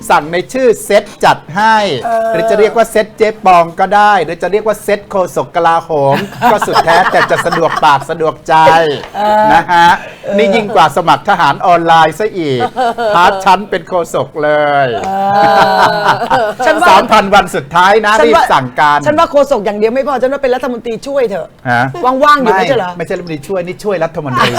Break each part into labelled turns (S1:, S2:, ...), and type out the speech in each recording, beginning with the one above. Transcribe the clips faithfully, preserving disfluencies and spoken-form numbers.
S1: สั่งในชื่อเซ็ตจัดให้หรือจะเรียกว่าเซ็ตเจ๊ปองก็ได้หรือจะเรียกว่าเซ็ตโฆษกกลาโหม ก็สุดแท้แต่จะสะดวกปากสะดวกใจนะฮะนี่ยิ่งกว่าสมัครทหารออนไลน์ซะอีกพาร์ทชั้นเป็นโฆษกเลยสามพันวันสุดท้ายนะรีบสั่งการ
S2: ฉันว่าโฆษกอย่างเดียวไม่พอฉันว่าเป็นรัฐมนตรีช่วยเถอะ
S1: ฮะ
S2: ว่างๆอยู่ไม่ใช่เหรอ
S1: ไม่ใช่รัฐมนตรีช่วยนี่ช่วยรัฐมนตรี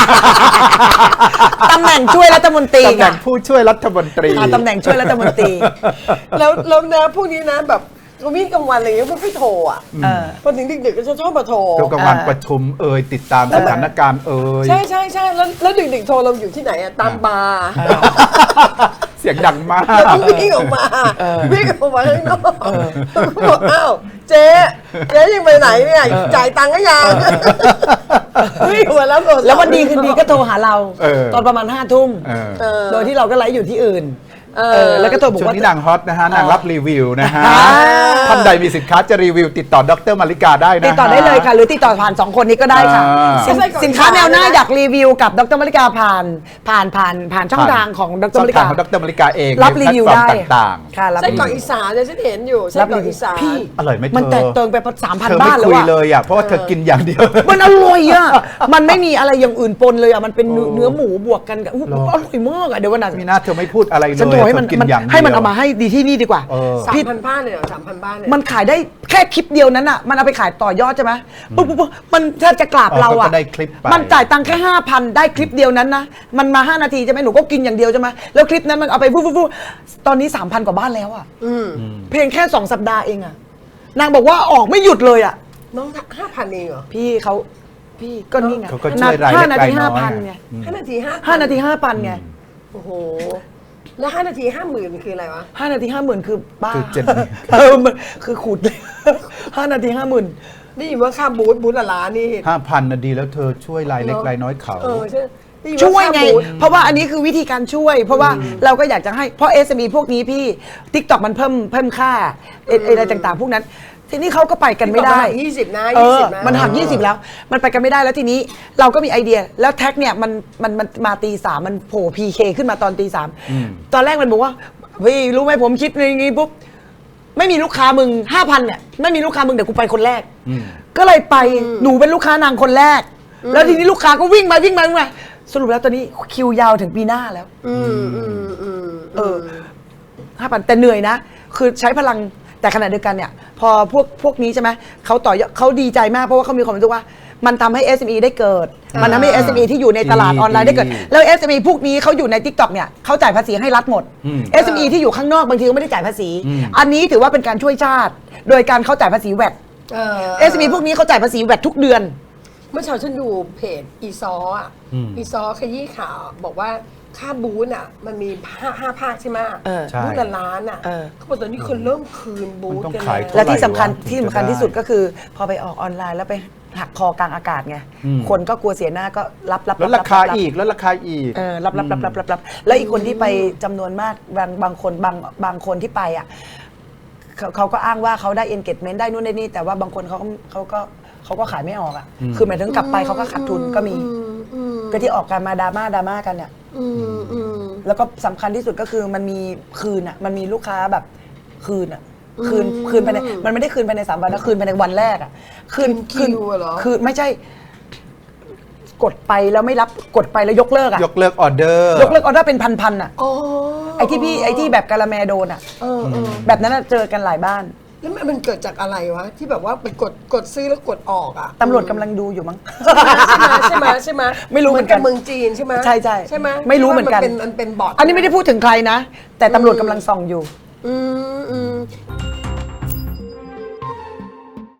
S2: ตำแหน่งช่วยรัฐมนตรี
S1: ตำแหน่งผู้ช่วยรัฐมนตรี
S2: ตำแหน่งช่วยรัฐมนตรี
S3: แล้วแล้วนะพวกนี้นะแบบวิ่งกลางวันอะไรอย่างเงี้ยพวกพี่โทรอ่ะพอถึงดึกๆก็จะชอบมาโทร
S1: ทุกกลางวันประชุมเอ่ยติดตามสถานการณ์เอ่ย
S3: ใช่ใช่ใช่แล้วแล้วดึกๆโทรเราอยู่ที่ไหนอ่ะตามบาร์
S1: เสียงดังมาก
S3: เราต้องวิ่งออกมาวิ่งออกมาข้างนอกบอกอ้าวเจ๊เจ๊ยังไปไหนเนี่ยจ่ายตังค์ก็ยังวิ่งมาแล้วโทรศัพท์
S2: แล้ววันดีคืนดีก็โทรหาเรา
S1: เออ
S2: ตอนประมาณห้าทุ่ม
S1: เออ
S2: โดยที่เราก็ไลฟ์อยู่ที่อื่น
S3: เอ
S2: เอ
S3: อ
S2: อแล้วก็โทรบอก
S1: ช่วง
S2: ว่า
S1: นี้นางฮอตนะฮะนางรับรีวิวนะฮะ
S2: อ่า
S1: ท่านใดมีสินค้าจะรีวิวติดต่อดรมาริกาได้นะฮะ
S2: ติดต่อได้เลยค่ะ หรือติดต่อผ่านสองคนนี้ก็ได้ค่ะ
S1: อ่า
S2: สินสินค้าแนวหน้าอยากรีวิวกับดรมาริกาผ่านผ่านผ่านผ่านช่องทางของดร
S1: ช่อ
S2: มาง ริ
S1: ทาง
S2: กา
S1: ของดรมาริกาเอง
S2: รับรีวิว
S1: ในแพล
S2: ได้
S1: ตฟอร์มต่างๆ
S2: ค่ะรับ
S3: ไส้
S2: รี
S3: กรอก
S2: วิว
S3: อีสานเนี่ยฉันเห็นอยู่ไส้
S2: รับ
S3: กร
S2: รี
S3: อก
S2: วิว
S3: อีสาน
S2: พี่
S1: อร่อยไหมเธอ
S2: มันแตกเติงไปสามพัน
S1: เธอ
S2: บ้า
S1: ไม่
S2: นแล้ว
S1: คุย
S2: อะ
S1: เลยอ่ะเพราะว่าเธอกินอย่างเดียว
S2: มันอร่อยอ่ะมันไม่มีอะไรอย่างอื่นปนเลยอ่ะมันเป็นเนื้อเนื้อหมูบวกกันกับอุ๊ย
S1: หรอ
S2: อร่อยมากอ่ะเดี๋ยววันนั้น
S1: มีหน้าเธอไม่พูดอะไรเลย
S2: ฉันโทรให้มัน
S1: เธอกิน
S2: มัน
S1: อย่างเดียว
S2: ให้มันเอามาให้ดีที่นี่ดีกว่า
S1: เออ
S3: สาม
S2: พี่
S3: พันบ้านเลยเหรอสามพันบ้านเลย
S2: มันขายได้แค่คลิปเดียวนั้นอ่ะมันเอาไปขายต่อยอดใช่ไหมปุ๊บปุ๊บปุ๊บมันแทบจะกราบ
S1: เออ
S2: เราอ่ะ
S1: เขาก็ได้คลิปไป
S2: มันจ่ายตังค์แค่ห้าพันได้คลิปเดียวนั้นนะมันมาห้านาทีใช่ไหมหนูก็กินอย่างเดียวใช่ไหมแล้วคลิปนั้นมันเอาไปปุ๊บปุ๊บปุ๊บตอนนี้สามพันกว่าบ้านแล้วอ่ะ
S3: อืม
S2: เพียงแค่สองสัปดาห์เองอ่ะนางบอกว่าออกไม่หยุดเลยอ่ะ
S3: น้องห้าพันเองเหรอ
S2: พี่เขาพี่ก็นี่ไง
S1: เขาก็ช่วยราย
S2: ห้า
S1: เล็ก
S2: นาที
S1: รายน้
S2: ห้า
S1: อย
S2: พัน
S1: อะ
S2: ไง
S3: ห้านาทีห้า
S2: ห้านาทีห้าพันไง
S3: โอ้โหแล้วห้านาทีห้าหมื่นคืออะไรวะ
S2: ห้านาทีห้าหมื่นคือบ้า
S1: คือเจ็ด
S2: เออมันคือขูดเลยห้านาทีห้าหมื่น
S3: นี่อยู่ว่าค่าบูธบูธละล้านนี่
S1: ห้าพันนะดีแล้วเธอช่วยรายเล็กรายน้อยเขา
S3: เออใช่นี่อ
S2: ช่วยไง
S3: ค่าบูธ
S2: เพราะว่าอันนี้คือวิธีการช่วย เพราะว่าเราก็อยากจะให้เพราะ เอส เอ็ม อี พวกนี้พี่ TikTok มันเพิ่มเพิ่มค่าเอ่ออะไรต่างๆ พวกนั้น ทีนี้เขาก็ไปกันไม่ได้
S3: ยี่สิบนะ
S2: เอ
S3: ยี่
S2: อ
S3: สิบนะ
S2: มันหักยี่สิบแล้ว มันไปกันไม่ได้แล้วทีนี้เราก็มีไอเดียแล้วแท็กเนี่ยมันมันมันมาตีสามมันโผล่พีเคขึ้นมาตอนตีสามตอนแรกมันบอกว่าพี่รู้ไหมผมคิดอย่างงี้ปุ๊บไม่มีลูกค้ามึงห้าพันเนี่ยไม่มีลูกค้ามึงเดี๋ยวกูไปคนแรก ก็เลยไปหนูเป็นลูกค้านางคนแรก แล้วทีนี้ลูกค้าก็วิ่งมาวิ่งมาวิ่งมาสรุปแล้วตอนนี้คิวยาวถึงปีหน้าแล้ว
S3: อืมอืมอืม
S2: เออห้าพันแต่เหนื่อยนะ คือใช้พลังแต่ขณะเดียวกันเนี่ย พอพวกพวกนี้ใช่ไหมเขาต่อยอดเขาดีใจมากเพราะว่าเขามีความรู้สึกว่า มันทำให้ เอส เอ็ม อี ได้เกิด มันทำให้ เอส เอ็ม อี ที่อยู่ในตลาดออนไลน์ได้เกิด แล้ว เอส เอ็ม อี พวกนี้เขาอยู่ใน TikTok เนี่ยเขาจ่ายภาษีให้รัฐหมด เอส เอ็ม อี ที่อยู่ข้างนอกบางทีก็ไม่ได้จ่ายภาษี อันนี้ถือว่าเป็นการช่วยชาติ โดยการเขาจ่ายภาษีแวด
S3: เออ
S2: เอส เอ็ม อี พวกนี้เขาจ่ายภาษีแวดทุกเดือน
S3: เมื่อเช้าฉันดูเพจอีซออ่ะอีซอขยี้ข่าวบอกว่าค่าบูธอ่ะ มันมีห้าห้าภาคใช่ไหม
S2: เออ
S1: ใช่
S3: บูธละล้านอ่ะ
S2: เออ
S3: เขาบอกตอนนี้คนเริ่มคืนบูธ
S1: มันต้อง
S3: กัน
S1: ขาย
S3: แล้ว
S1: เท่า
S2: และที่สำคัญ
S1: ไหร่วะ
S2: ที่สำคัญ
S1: ถึงจะ
S2: ที่สุด
S1: ได้
S2: ก็คือ พอไปออกออนไลน์แล้วไปหักคอกลางอากาศไง
S1: อืม
S2: คนก็กลัวเสียหน้าก็รับรับ
S1: แล้วราคา
S2: บ
S1: อีกแล้วราคาอีก
S2: เออรับรับรับรับรับรับแล้วอีกคนที่ไปจำนวนมากบางบางคนบางบางคนที่ไปอ่ะเขาเขาก็อ้างว่าเขาได้ engagement ได้นู่นได้นี่ แต่ว่าบางคนเขาก็เขาก็เขาก็ขายไม่ออกอ่ะคือหมายถึงกลับไปเขาก็ขาดทุนก็มี
S3: อืมอืม
S2: ก็ที่ออกกันมาดราม่าดราม่ากันเนี่ย
S3: อืมอืม
S2: แล้วก็สำคัญที่สุดก็คือมันมีคืนอ่ะมันมีลูกค้าแบบคืนอ่ะคืนคืนภายในมันไม่ได้คืนภายในสามวันนะคืนภายในวันแรกอ่ะคืน
S3: คืนคิวอะเหรอ
S2: คืนไม่ใช่ กดไปแล้วไม่รับกดไปแล้วยกเลิกอ่ะ
S1: ยกเลิกออเดอร์
S2: ยกเลิกออเดอร์เป็นพันๆอ่ะ
S3: อ๋อ
S2: ไอ้ที่พี่ไอ้ที่แบบกะละแมโดนอ่ะ
S3: เออเออ
S2: แบบนั้นอะเจอกันหลายบ้าน
S3: แล้วมันเกิดจากอะไรวะ ที่แบบว่าไปกดกดซื้อแล้วกดออกอ่ะ
S2: ตำรวจกำลังดูอยู่มั้ง
S3: ใช่ไหมใช่ไหม
S2: ไม่รู้เหมือนกัน
S3: บเมืองจีนใช่ไหม
S2: ใช่ใช่
S3: ใช่ไหม
S2: ไม่รู้เหมือนกัน
S3: ที่ว่ามันเป็นมันเป็นบอท
S2: อันนี้ไม่ได้พูดถึงใครนะ แต่ตำรวจกำลังส่องอยู่
S3: อืมอืม